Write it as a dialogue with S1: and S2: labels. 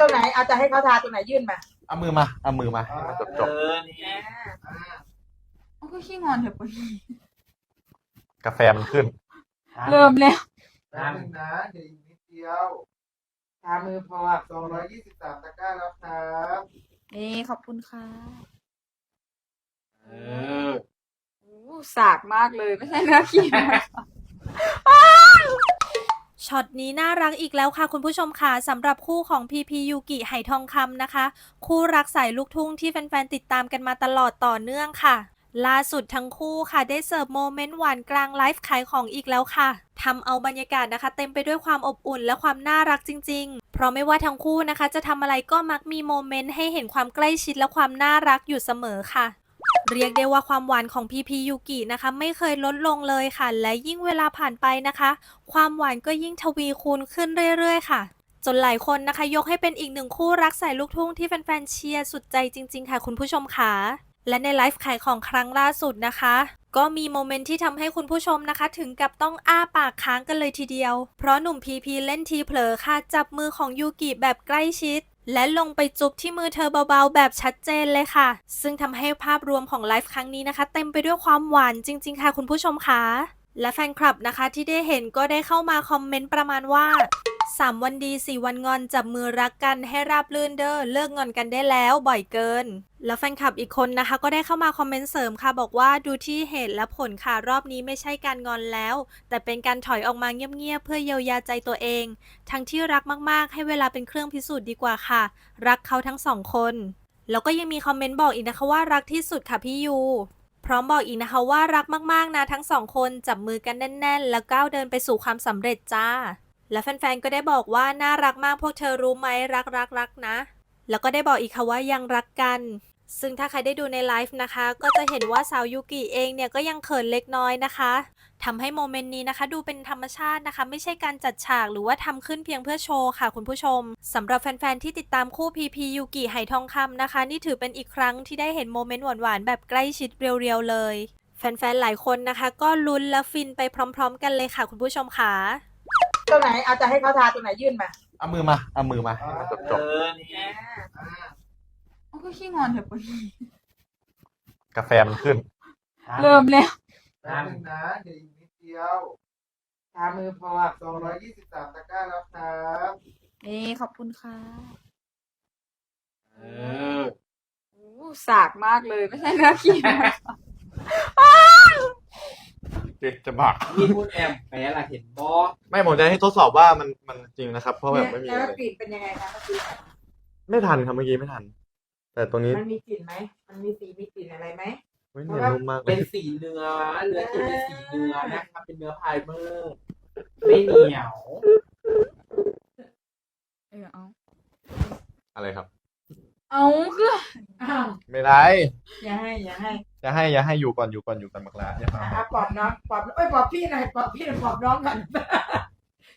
S1: รงไหนเอาจะให้เขาทาตรงไหนยื่นมา
S2: เอามือมาให้มันจบ
S3: นี่
S1: เขาก็ขี้งอนเถอะปุ้ย
S2: กาแฟมันขึ้น
S1: เริ่มแล้ว
S3: น้ำหนึ่งนะเดี๋ยวอีกนิดเดียว
S1: ทามือพอ
S3: 223ตะกร้าแล้วครับ
S1: นี่ขอบคุณค่ะ
S3: เออ
S1: สากมากเลยไม่ใช่เนื้อขี้
S4: ช็อตนี้น่ารักอีกแล้วค่ะคุณผู้ชมค่ะสำหรับคู่ของพีพียูกิไหทองคำนะคะคู่รักสายลูกทุ่งที่แฟนๆติดตามกันมาตลอดต่อเนื่องค่ะล่าสุดทั้งคู่ค่ะได้เสิร์ฟโมเมนต์หวานกลางไลฟ์ขายของอีกแล้วค่ะทำเอาบรรยากาศนะคะเต็มไปด้วยความอบอุ่นและความน่ารักจริงๆเพราะไม่ว่าทั้งคู่นะคะจะทำอะไรก็มักมีโมเมนต์ให้เห็นความใกล้ชิดและความน่ารักอยู่เสมอค่ะเรียกได้ว่าความหวานของพีพียูกินะคะไม่เคยลดลงเลยค่ะและยิ่งเวลาผ่านไปนะคะความหวานก็ยิ่งทวีคูณขึ้นเรื่อยๆค่ะจนหลายคนนะคะยกให้เป็นอีกหนึ่งคู่รักสายลูกทุ่งที่แฟนๆเชียร์สุดใจจริงๆค่ะคุณผู้ชมค่ะและในไลฟ์ขายของครั้งล่าสุดนะคะก็มีโมเมนต์ที่ทำให้คุณผู้ชมนะคะถึงกับต้องอ้าปากค้างกันเลยทีเดียวเพราะหนุ่มพีพีเล่นทีเผลอค่ะจับมือของยูกิแบบใกล้ชิดและลงไปจุ๊บที่มือเธอเบาๆแบบชัดเจนเลยค่ะซึ่งทำให้ภาพรวมของไลฟ์ครั้งนี้นะคะเต็มไปด้วยความหวานจริงๆค่ะคุณผู้ชมค่ะและแฟนคลับนะคะที่ได้เห็นก็ได้เข้ามาคอมเมนต์ประมาณว่า3 วันดี4 วันงอนจับมือรักกันให้ราบรื่นเด้อเลิกงอนกันได้แล้วบ่อยเกินแล้วแฟนคลับอีกคนนะคะก็ได้เข้ามาคอมเมนต์เสริมค่ะบอกว่าดูที่เหตุและผลค่ะรอบนี้ไม่ใช่การงอนแล้วแต่เป็นการถอยออกมาเงียบๆเพื่อเยียวยาใจตัวเองทั้งที่รักมากๆให้เวลาเป็นเครื่องพิสูจน์ดีกว่าค่ะรักเขาทั้งสองคนแล้วก็ยังมีคอมเมนต์บอกอีกนะคะว่ารักที่สุดค่ะพี่ยูพร้อมบอกอีกนะคะว่ารักมากๆนะทั้งสองคนจับมือกันแน่นๆแล้วก้าวเดินไปสู่ความสำเร็จจ้าและแฟนๆก็ได้บอกว่าน่ารักมากพวกเธอรู้ไหมรักนะแล้วก็ได้บอกอีกค่ะว่ายังรักกันซึ่งถ้าใครได้ดูในไลฟ์นะคะก็จะเห็นว่าสาวยูกิเองเนี่ยก็ยังเขินเล็กน้อยนะคะทำให้โมเมนต์นี้นะคะดูเป็นธรรมชาตินะคะไม่ใช่การจัดฉากหรือว่าทำขึ้นเพียงเพื่อโชว์ค่ะคุณผู้ชมสำหรับแฟนๆที่ติดตามคู่พีพียูกิไหทองคำนะคะนี่ถือเป็นอีกครั้งที่ได้เห็นโมเมนต์หวานๆแบบใกล้ชิดเรียวๆเลยแฟนๆหลายคนนะคะก็ลุ้นและฟินไปพร้อมๆกันเลยค่ะคุณผู้ชมค่ะ
S1: ตรงไหนเอาจะให้เขาทาตรงไหนยื่นมา
S2: เอามือมาให้มันจบ
S3: นี่
S1: เขาก็ขี้งอนเถอะปุ้ย
S2: กาแฟมันขึ้น
S1: เริ่มแล้ว
S3: น้ำหนึ่งนะเดี๋ยวอีกนิดเดียว
S1: ทามือพอ
S3: 223ตะกร้าแล้วครับ
S1: นี่ขอบคุณค่ะ
S3: เออ
S1: สากมากเลยไม่ใช่เนื้อขี้
S2: จะบัก
S3: นี่พูดแอมแปลล่ะเห็นบอ
S2: ไม่ผมจะให้ทดสอบว่ามันจริงนะครับเพราะแบบไม่มี
S1: แล้วกลิ่นเป็นยังไงคะเมื่อกี้
S2: ไม่ทันครับเมื่อกี้ไม่ทันแต่ตรงนี้
S1: มันมีกลิ่นไหมมันมีสีมีกลิ่นอะไรไหม
S2: เนื้อนุ่มมาก
S3: เป็นสีเนื้อที่เป็นสีเนื้อนะครับเป็นเนื้อไพเมอร์ไม่เหนียว
S1: เอา
S2: อะไรครับ
S1: เอาคือ
S2: ไม่ได้
S1: อย่าให้
S2: อยู่ก่อนบักลา
S1: ปอบน้องปอบปอบพี่หน่อยปอบพี่หน่อยปอบน้องก่อน